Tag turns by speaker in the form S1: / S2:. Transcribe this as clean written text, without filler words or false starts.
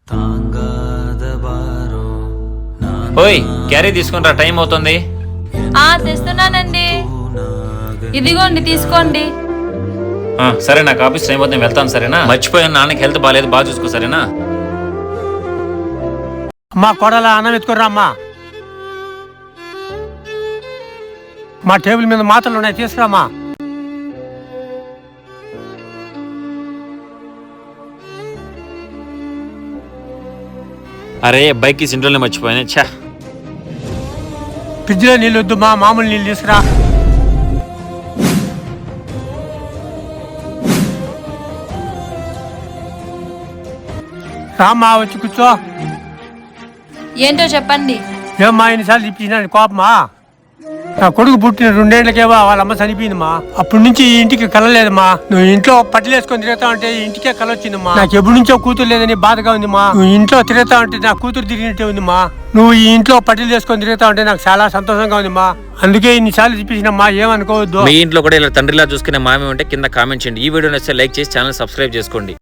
S1: ఓయ్ క్యారీ తీసుకుని టైం అవుతుంది.
S2: తెస్తున్నానండి, ఇదిగోండి తీసుకోండి.
S1: సరే నాకు ఆఫీస్ టైం అవుతుంది, వెళ్తాను సరేనా. మర్చిపోయాను, నాన్నకి హెల్త్ బాగాలేదు, బాగా చూసుకో సరేనా.
S3: అమ్మా కొడల అన్నం ఎత్తుకురా అమ్మా. మా టేబుల్ మీద మాత్రలు ఉన్నాయి, తీసుకురామ్మా.
S1: అరే బైక్ ఇంట్లోనే మర్చిపోయాను. ఛా,
S3: ఫ్రిడ్జ్లో నీళ్ళు వద్దు మా, మామూలు నీళ్ళు తీసుకురా. రామ్మా వచ్చి కూర్చో.
S2: ఏంటో చెప్పండి.
S3: ఏమ్మా ఎన్నిసార్లు తిప్పించిన కోపమా? నా కొడుకు పుట్టిన 2 ఏళ్లకేవా వాళ్ళ అమ్మ చనిపోయిందమ్మా. అప్పటి నుంచి ఈ ఇంటికి కలలేదమ్మా. నువ్వు ఇంట్లో పట్టిలేసుకొని తిరుగుతా ఉంటే ఇంటికే కల వచ్చిందమ్మా. నాకు ఎప్పటి నుంచో కూతురు లేదని బాధగా ఉందిమా. నువ్వు ఇంట్లో తిరుగుతా ఉంటే నా కూతురు తిరిగినట్టే ఉందిమా. నువ్వు ఈ ఇంట్లో పట్టిలు చేసుకొని తిరుగుతా ఉంటే నాకు చాలా సంతోషంగా ఉందిమా. అందుకే ఇన్నిసార్లు తిప్పించినమ్మా, ఏమనుకోవద్దు.
S1: మీ ఇంట్లో కూడా ఇలా తండ్రిలా చూసుకునే మామే ఉంటే కింద కామెంట్ చేయండి. ఈ వీడియో నచ్చితే లైక్ చేసి ఛానల్ సబ్స్క్రైబ్ చేసుకోండి.